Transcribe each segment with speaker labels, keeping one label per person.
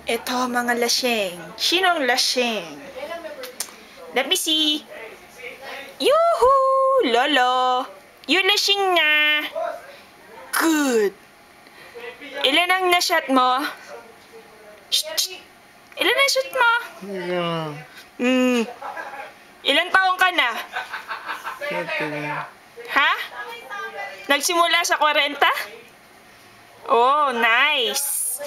Speaker 1: Ito mga lasing. Sinong lasing? Let me see. Yoo-hoo! Lolo! Yung lasing nga. Good. Ilan ang na-shot mo? Shh! Ilan ang shot mo? Ilan taong ka na? Ha? Nagsimula sa 40? Oh, nice.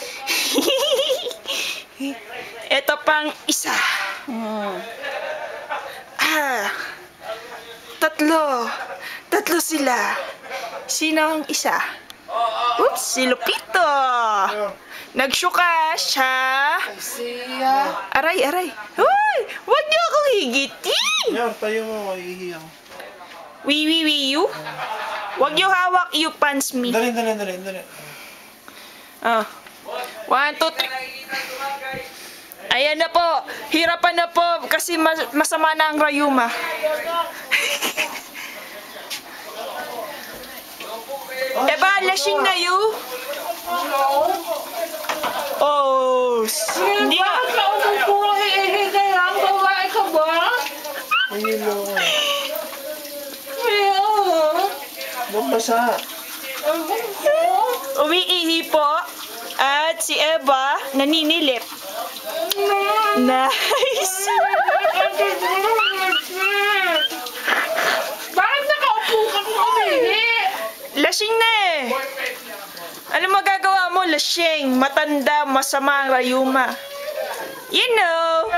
Speaker 1: Ito pang isa. Tatlo sila. Sino ang isa? Oops, si Lupito. Nagsyuka siya. Aray. Hoy! Huwag niyo akong higitin!
Speaker 2: Yan, tayo mo, mahihiyaw.
Speaker 1: You? Huwag niyo hawak, you punch me.
Speaker 2: Dali.
Speaker 1: 1, 2, 3. Ayan na po. Hirapan na po kasi masama na ang rayuma. Eba, lasing na you. Oh, hindi nga.
Speaker 2: Ayun mo. Bambasa.
Speaker 1: Umiihi po. At si Eva, naninilip. Nice!
Speaker 3: Bakit nakaupo ka kung umihi?
Speaker 1: Lasing na eh. Ano magagawa mo, lasing? Matanda, masama ang rayuma. You know.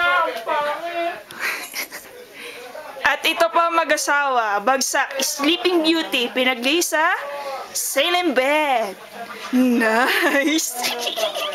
Speaker 1: At ito pa mag-asawa, bagsak, Sleeping Beauty, pinaglisa, Sail in Bed. Nice!